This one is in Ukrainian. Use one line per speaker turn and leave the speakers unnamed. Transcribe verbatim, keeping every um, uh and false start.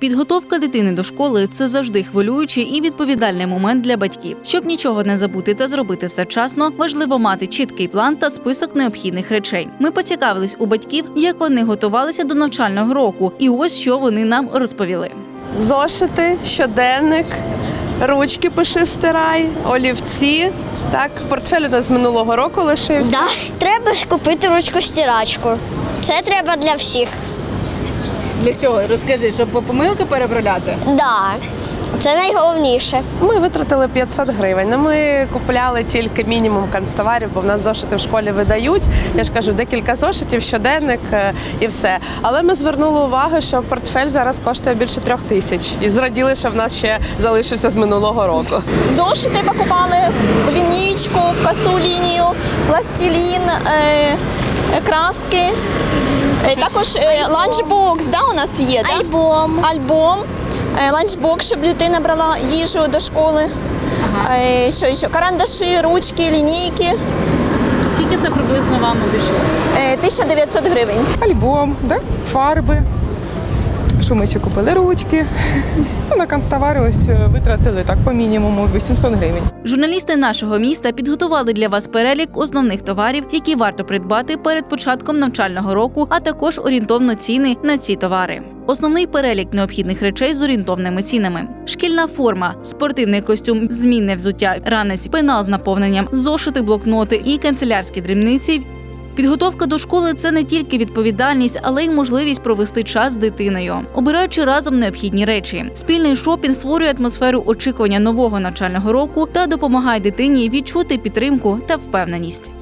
Підготовка дитини до школи – це завжди хвилюючий і відповідальний момент для батьків. Щоб нічого не забути та зробити все вчасно, важливо мати чіткий план та список необхідних речей. Ми поцікавились у батьків, як вони готувалися до навчального року, і ось що вони нам розповіли.
Зошити, щоденник, ручки пиши, стирай, олівці. Так, портфель у нас з минулого року лишився.
Да. Треба ж купити ручку-стирачку. Це треба для всіх.
Для чого? Розкажи, щоб помилки переправляти?
Да. Це найголовніше.
Ми витратили п'ятсот гривень. Ну, ми купляли тільки мінімум канцтоварів, бо в нас зошити в школі видають. Я ж кажу, декілька зошитів, щоденник е, і все. Але ми звернули увагу, що портфель зараз коштує більше трьох тисяч. І зраділи, що в нас ще залишився з минулого року.
Зошити покупали в лінійку, в косу лінію, пластилін, е, краски. Е, також е, ланчбокс, да, у нас є, да?
Альбом.
Альбом. Е, ланчбокс, щоб дитина брала їжу до школи.
Ага.
Е, що ще? Карандаші, ручки, лінійки.
Скільки це приблизно вам обійшлося?
Е, тисяча дев'ятсот гривень.
Альбом, да? Фарби. Що ми ще купили? Ручки. Ну, на канцтовари ось витратили так по мінімуму вісімсот гривень.
Журналісти нашого міста підготували для вас перелік основних товарів, які варто придбати перед початком навчального року, а також орієнтовно ціни на ці товари. Основний перелік необхідних речей з орієнтовними цінами. Шкільна форма, спортивний костюм, змінне взуття, ранець, пенал з наповненням, зошити, блокноти і канцелярські дрібниці. Підготовка до школи – це не тільки відповідальність, але й можливість провести час з дитиною, обираючи разом необхідні речі. Спільний шопінг створює атмосферу очікування нового навчального року та допомагає дитині відчути підтримку та впевненість.